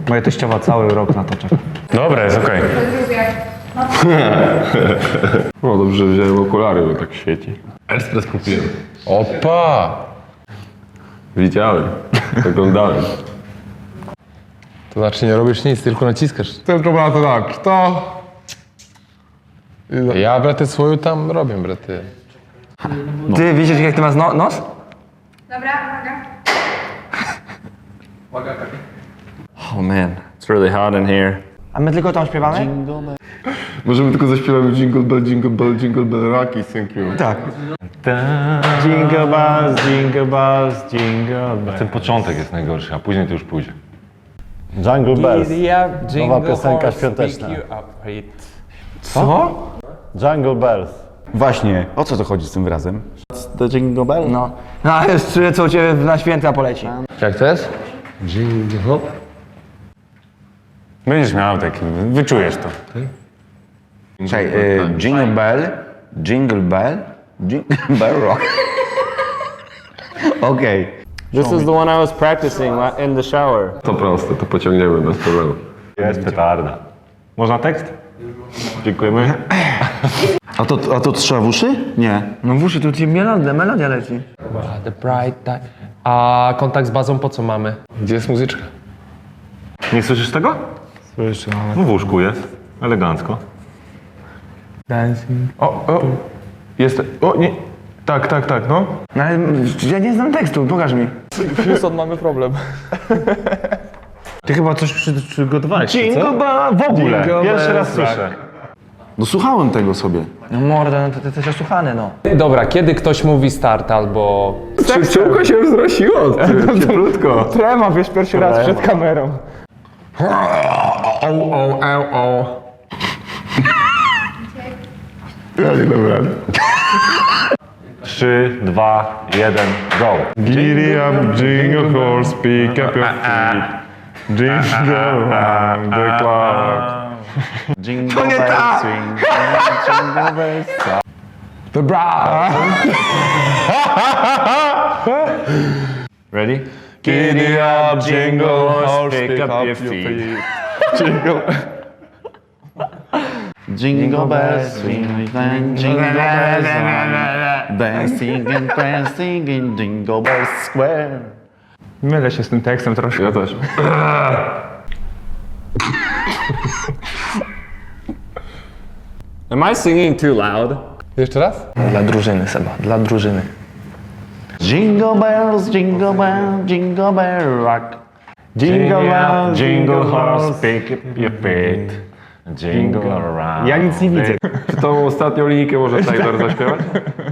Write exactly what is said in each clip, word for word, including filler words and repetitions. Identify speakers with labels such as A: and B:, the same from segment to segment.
A: Moja teściowa cały rok na to czeka.
B: Dobra, jest okej.
C: No dobrze, że wziąłem okulary, bo tak świeci. Ekspres kupiłem.
B: Opa!
C: Widziałem, oglądałem.
B: To znaczy nie robisz nic, tylko naciskasz.
C: Tylko ma to tak, to...
B: Ja, braty, swoją tam robię, braty.
A: Ty widzisz, jak ty masz no nos?
D: Dobra, uwaga.
E: Oh man, it's really hot in here.
A: A my tylko tam śpiewamy?
C: Możemy tylko zaśpiewamy Jingle Bell, Jingle Bell, Jingle Bell, Rocky, thank you.
A: Tak.
E: Jingle bells, jingle bells, jingle bells.
F: Ten początek jest najgorszy, a później to już pójdzie.
E: Jungle Bells.
B: Nowa
E: piosenka świąteczna.
A: Co?
E: Jungle Bells. Właśnie, o co to chodzi z tym wyrazem? The Jingle Bell?
A: No. No a już czuję, co u ciebie na święta poleci.
B: Jak to jest?
F: Będziesz miał taki, wyczujesz to.
G: Czekaj, y, Jingle Bell, Jingle Bell, Jingle Bell Rock. Okej.
E: This is the one I was practicing in the shower.
C: To proste, to pociągniemy bez problemu.
F: Jest petarda. Można tekst? Dziękujemy.
G: A to, a to trzeba w uszy? Nie.
A: No w uszy tu ci melodia, melodia leci.
H: The bright die. A kontakt z bazą po co mamy?
B: Gdzie jest muzyczka?
F: Nie słyszysz tego?
B: Słyszę, ale...
F: No w łóżku jest. Elegancko.
A: Dancing.
B: O, o! Jest... O, nie! Tak, tak, tak, no.
A: No ale ja nie znam tekstu, pokaż mi.
H: Houston, mamy problem.
F: Ty chyba coś przy, przygotowałeś,
A: Jingle bell, w ogóle.
F: Pierwszy raz słyszę.
G: No słuchałem tego sobie.
A: No morda, no to ty jesteś osłuchany, no.
H: Dobra, kiedy ktoś mówi start albo...
C: Czółko się wzrosiło, cieplutko.
A: Trema, wiesz, pierwszy raz przed kamerą.
B: O, o, o, o.
C: Ja nie dam rady.
F: Trzy, dwa, jeden, go.
C: Giddy up, jingle horse, pick up your feet. Jingle around the clock.
G: Jingle Bells, swing, Jingle Bells.
A: The bra.
F: Ready?
C: Giddy up, jingle horse, pick up your feet. Jingle.
G: Jingle bells, swing, swing, jingle bells, rock. Dancing and prancing in Jingle Bells Square.
A: Mylę się z tym tekstem troszkę.
C: Ja też.
E: Am I singing too loud?
B: Jeszcze raz?
A: Dla drużyny, Seba, dla drużyny.
G: Jingle bells, jingle bell, jingle bell rock.
F: Jingle bell, jingle horse, pick up your feet. Jingle around.
A: Ja nic nie widzę.
C: Czy tą ostatnią linijkę może Taylor zaśpiewać?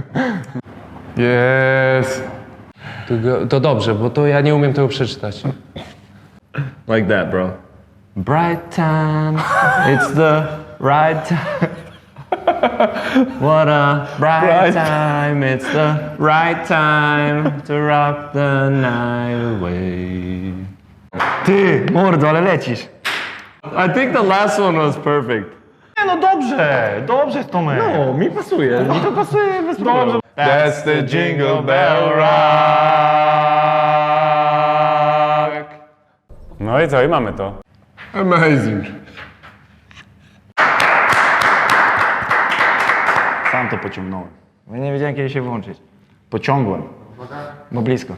B: Yes.
H: To, go- to dobrze, bo to ja nie umiem tego przeczytać.
E: Like that, bro.
A: Bright time, it's the right time. What a bright time, it's the right time to rock the night away. Ty, mordo, ale lecisz.
E: I think the last one was perfect.
F: Nie no dobrze, dobrze Tomek.
E: No, mi pasuje.
F: Mi to pasuje bez problemu.
C: That's the Jingle Bell Rock.
B: No i co? I mamy to.
C: Amazing.
G: Sam to pociągnąłem.
A: Ja nie wiedziałem, kiedy się włączyć.
G: Pociągłem.
A: Bo blisko.